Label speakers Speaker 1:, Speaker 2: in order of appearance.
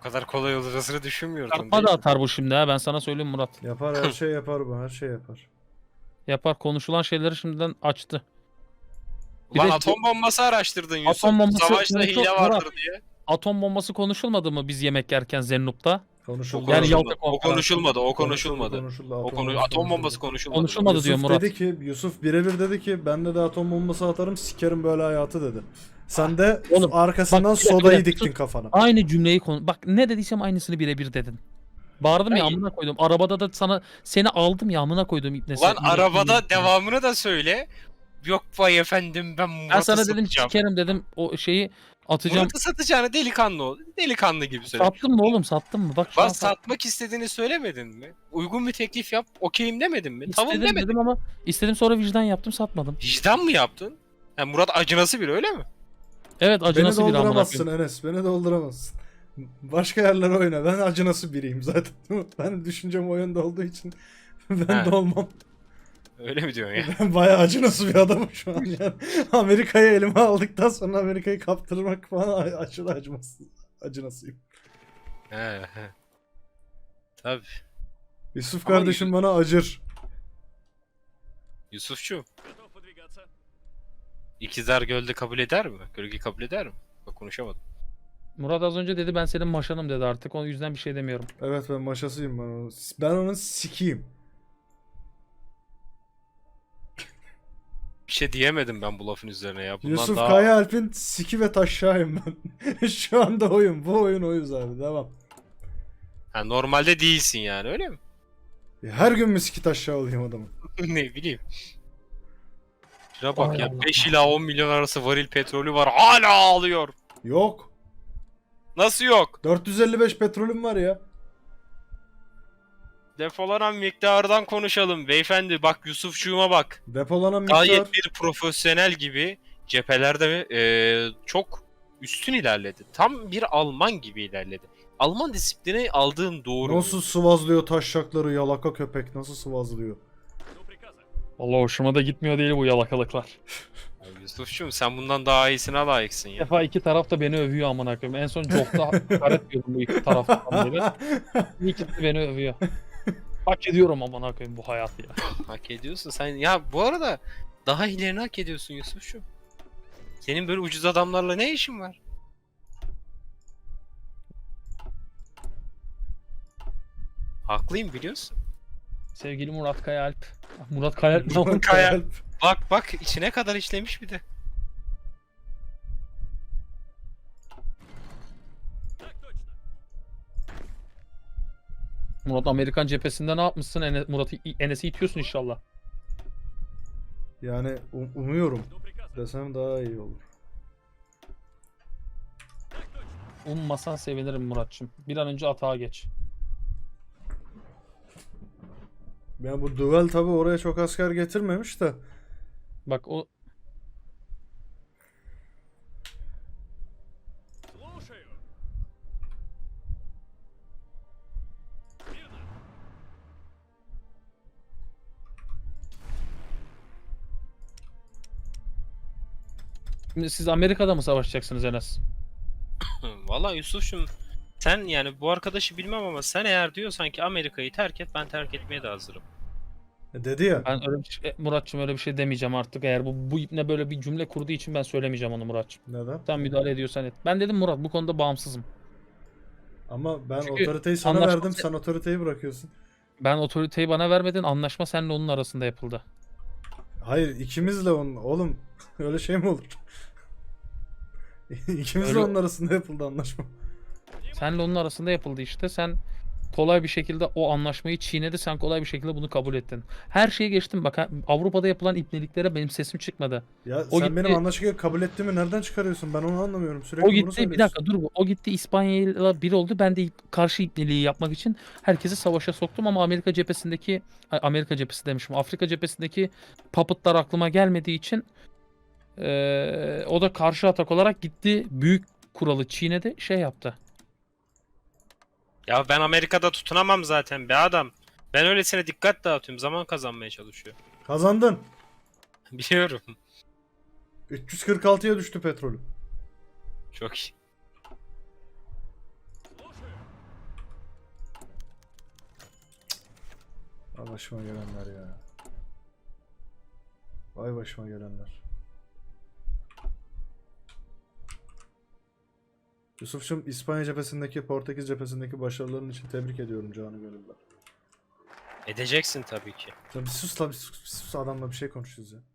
Speaker 1: O kadar kolay olacağını düşünmüyordum.
Speaker 2: Çarpma da atar bu şimdi ha, ben sana söyleyeyim Murat.
Speaker 3: Yapar, her şey yapar bu, her şey yapar.
Speaker 2: Yapar, konuşulan şeyleri şimdiden açtı. Bir
Speaker 1: Ulan
Speaker 2: de-
Speaker 1: atom bombası araştırdın Yusuf.
Speaker 2: Atom bombası
Speaker 1: Savaşta
Speaker 2: konuşul-
Speaker 1: hile vardır diye.
Speaker 2: Atom bombası konuşulmadı mı biz yemek yerken Zennup'ta?
Speaker 3: Konuşuldu.
Speaker 2: Yani
Speaker 1: Konuşulmadı.
Speaker 2: Yalta
Speaker 1: O konuşulmadı. O konuşulmadı.
Speaker 3: Konuşuldu.
Speaker 1: Atom bombası konuşulmadı.
Speaker 2: Konuşulmadı
Speaker 3: Yusuf
Speaker 2: diyor Murat.
Speaker 3: dedi ki, Yusuf birebir dedi ki ben de atom bombası atarım, sikerim böyle hayatı dedi. Sen de
Speaker 2: Oğlum,
Speaker 3: arkasından
Speaker 2: bak, bir dakika,
Speaker 3: sodayı
Speaker 2: bir dakika.
Speaker 3: diktin kafana.
Speaker 2: Aynı cümleyi bak ne dediysem aynısını birebir dedin. Bağırdım ya,
Speaker 1: Hayır.
Speaker 2: amına koydum. Arabada da seni aldım ya, amına koydum ipnesi.
Speaker 1: Ulan arabada devamını da söyle. Yok vay efendim ben
Speaker 2: Ben
Speaker 1: Murat'ı
Speaker 2: sana dedim
Speaker 1: satacağım.
Speaker 2: sikerim dedim, o şeyi atacağım.
Speaker 1: Murat'ı satacağını delikanlı ol. Delikanlı gibi söyle.
Speaker 2: Sattın mı oğlum, sattın mı? Bak şu an
Speaker 1: Bak satmak istediğini söylemedin mi? Uygun bir teklif yap. Okeyim demedin mi? Tamam
Speaker 2: istedim
Speaker 1: demedin.
Speaker 2: dedim ama istedim, sonra vicdan yaptım, satmadım.
Speaker 1: Vicdan mı yaptın? Yani Murat acınası biri öyle mi?
Speaker 2: Evet, acı
Speaker 3: Beni
Speaker 2: nasıl bir amına
Speaker 3: dolduramazsın
Speaker 2: koyayım.
Speaker 3: Enes, beni dolduramazsın. Başka yerlere oyna, ben acınası biriyim zaten. Ben düşüncem o yönde olduğu için ben
Speaker 1: He.
Speaker 3: de olmam.
Speaker 1: Öyle mi diyorsun ya?
Speaker 3: Ben bayağı acınası bir adamım şu an yani. Amerika'yı elime aldıktan sonra Amerika'yı kaptırmak falan aşırı acınasıyım.
Speaker 1: He he. Tabii.
Speaker 3: Yusuf
Speaker 1: Ama
Speaker 3: kardeşim bana acır.
Speaker 1: Yusufçu. İkizler Gölde kabul eder mi? Gölge kabul eder mi? Bak konuşamadım.
Speaker 2: Murat az önce dedi ben senin maşanım dedi, artık o yüzden bir şey demiyorum.
Speaker 3: Evet, ben maşasıyım ben onun. Ben onun sikiyim.
Speaker 1: Bir şey diyemedim ben bu lafın üzerine ya. Bundan
Speaker 3: Yusuf
Speaker 1: daha...
Speaker 3: Kaya Alp'in siki ve taşşağıyım ben. Şu anda oyun. Bu oyun oyuz abi. Devam.
Speaker 1: Ha, normalde değilsin yani öyle mi?
Speaker 3: Her gün mü siki taşşağı olayım adamın?
Speaker 1: Ne bileyim. Şuna bak
Speaker 2: Ay
Speaker 1: ya,
Speaker 2: Allah.
Speaker 1: 5 ila 10 milyon arası varil petrolü var, hala ağlıyor.
Speaker 3: Yok.
Speaker 1: Nasıl yok?
Speaker 3: 455 petrolüm var ya.
Speaker 1: Depolanan miktardan konuşalım beyefendi. Bak Yusufçuğuma bak.
Speaker 3: Depolanan miktar.
Speaker 1: Gayet bir profesyonel gibi cephelerde çok üstün ilerledi. Tam bir Alman gibi ilerledi. Alman disiplini aldığın doğru.
Speaker 3: Nasıl sıvazlıyor taşşakları, yalaka köpek nasıl sıvazlıyor?
Speaker 2: Vallahi hoşuma da gitmiyor değil bu yalakalıklar.
Speaker 1: Ya Yusufçuğum sen bundan daha iyisine layıksın
Speaker 2: Bir
Speaker 1: ya.
Speaker 2: defa iki taraf da beni övüyor amına koyayım. En son Jok'ta hakaret diyordum bu iki taraftan beri. İkisi de beni övüyor. Hak ediyorum amına koyayım bu hayatı ya.
Speaker 1: Hak ediyorsun sen. Ya bu arada daha ilerini hak ediyorsun Yusufçuğum. Senin böyle ucuz adamlarla ne işin var? Haklıyım biliyorsun.
Speaker 2: Sevgili Murat Kayaalp. Murat Kayaalp ne oldu?
Speaker 1: Kaya. Bak bak içine kadar işlemiş bir de.
Speaker 2: Murat Amerikan cephesinde ne yapmışsın? Murat'ı Enes'i itiyorsun inşallah.
Speaker 3: Yani umuyorum desem daha iyi olur.
Speaker 2: Ummasan sevinirim Muratçım. Bir an önce atağa geç.
Speaker 3: Yani bu duel tabi oraya çok asker getirmemiş de.
Speaker 2: Bak o Şimdi siz Amerika'da mı savaşacaksınız Enes?
Speaker 1: Valla Yusuf'cum sen yani bu arkadaşı bilmem ama sen eğer diyorsan ki Amerika'yı terk et, ben terk etmeye de hazırım.
Speaker 3: Dedi ya.
Speaker 2: Ben öyle bir şey, Muratçım öyle bir şey demeyeceğim artık. Eğer bu ipne böyle bir cümle kurduğu için ben söylemeyeceğim onu Muratçım.
Speaker 3: Neden?
Speaker 2: Sen müdahale ediyorsan et. Ben dedim Murat bu konuda bağımsızım.
Speaker 3: Ama ben
Speaker 2: Çünkü
Speaker 3: otoriteyi sana
Speaker 2: anlaşma-
Speaker 3: verdim, sen otoriteyi bırakıyorsun.
Speaker 2: Ben otoriteyi bana vermedin. Anlaşma seninle onun arasında yapıldı.
Speaker 3: Hayır, ikimizle onun. Oğlum öyle şey mi olur? İkimizle
Speaker 2: Öyle-
Speaker 3: onun arasında yapıldı anlaşma.
Speaker 2: Seninle onun arasında yapıldı işte. Sen kolay bir şekilde o anlaşmayı çiğnedi. Sen kolay bir şekilde bunu kabul ettin. Her şeyi geçtim. Bak Avrupa'da yapılan ipneliklere benim sesim çıkmadı.
Speaker 3: Ya
Speaker 2: O
Speaker 3: sen
Speaker 2: gitti-
Speaker 3: benim anlaşmayı kabul ettiğimi nereden çıkarıyorsun? Ben onu anlamıyorum. Sürekli
Speaker 2: O
Speaker 3: bunu
Speaker 2: gitti, bir
Speaker 3: söylüyorsun.
Speaker 2: dakika dur. O gitti İspanya'yla bir oldu. Ben de karşı ipneliği yapmak için herkesi savaşa soktum ama Amerika cephesi demişim. Afrika cephesindeki puppetlar aklıma gelmediği için o da karşı atak olarak gitti. Büyük kuralı çiğnedi. Şey yaptı.
Speaker 1: Ya ben Amerika'da tutunamam zaten be adam. Ben öylesine dikkat dağıtıyorum, zaman kazanmaya çalışıyor.
Speaker 3: Kazandın.
Speaker 1: Biliyorum.
Speaker 3: 346'ya düştü petrolü.
Speaker 1: Çok iyi.
Speaker 3: Vay başıma gelenler ya. Vay başıma gelenler. Yusuf'cum İspanya cephesindeki, Portekiz cephesindeki başarıların için tebrik ediyorum canı gönülden.
Speaker 1: Edeceksin tabii ki.
Speaker 3: Ya bir sus la bir sus adamla bir şey konuşuyoruz ya.